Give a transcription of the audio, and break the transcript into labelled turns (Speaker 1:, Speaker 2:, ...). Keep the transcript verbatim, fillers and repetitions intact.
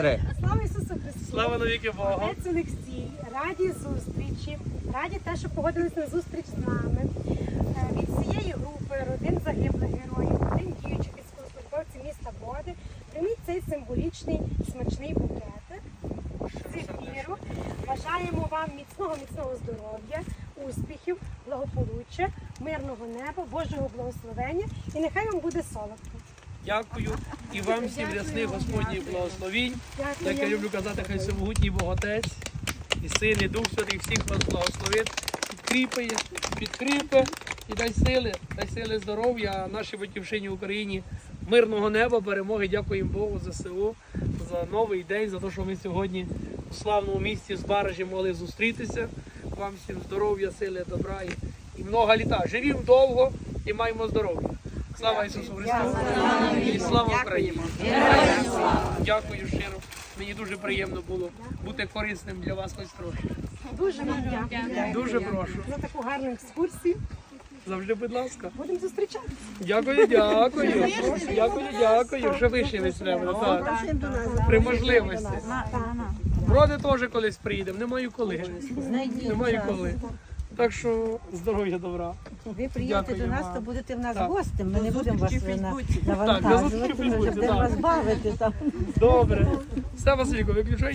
Speaker 1: Слава Ісусу Христу!
Speaker 2: Слава навіки Богу!
Speaker 1: Отець Олексій, раді зустрічі, раді те, що погодились на зустріч з нами. Е, Від цієї групи родин загиблих героїв, родин діючих військовослужбовців міста Боди, прийміть цей символічний смачний букетик. Зефіру. Бажаємо вам міцного, міцного здоров'я, успіхів, благополуччя, мирного неба, Божого благословення і нехай вам буде солодко.
Speaker 2: Дякую і вам всім рясних Господніх благословінь.
Speaker 1: Дякую.
Speaker 2: Як я люблю казати, хай всемогутній Бог Отець і Син, і Дух Святий всіх вас благословить, підкріпає, підкріпе і дай сили, дай сили здоров'я нашій батьківщині Україні, мирного неба, перемоги. Дякуємо Богу за село, за новий день, за те, що ми сьогодні у славному місті з Баражі могли зустрітися. Вам всім здоров'я, сили, добра і, і много літа. Живімо довго і маємо здоров'я. Слава Ісусу Христу! І слава Україні! Дякую щиро. Мені дуже приємно було бути корисним для вас хоч трохи.
Speaker 1: Дуже вам дякую.
Speaker 2: Дуже прошу.
Speaker 1: За таку гарну екскурсію.
Speaker 2: Завжди, будь ласка.
Speaker 1: Будемо зустрічатися.
Speaker 2: Дякую, дякую. Дякую, дякую. Вже вишились треба. Так. При можливості. Вроде теж колись приїдемо. Немає коли. Немає коли. Так що здоров'я, добра.
Speaker 3: Ви приїдете
Speaker 2: Дякую
Speaker 3: до нас,
Speaker 2: вам.
Speaker 3: то будете в нас
Speaker 2: Так.
Speaker 3: гостем. Ми не будемо вас вина-
Speaker 2: Так, до
Speaker 3: навантажувати,
Speaker 2: зустрічі в
Speaker 3: ми вже
Speaker 2: Фейсбуці,
Speaker 3: будемо
Speaker 2: так.
Speaker 3: вас бавити там.
Speaker 2: Добре. Все, Василько, виключай.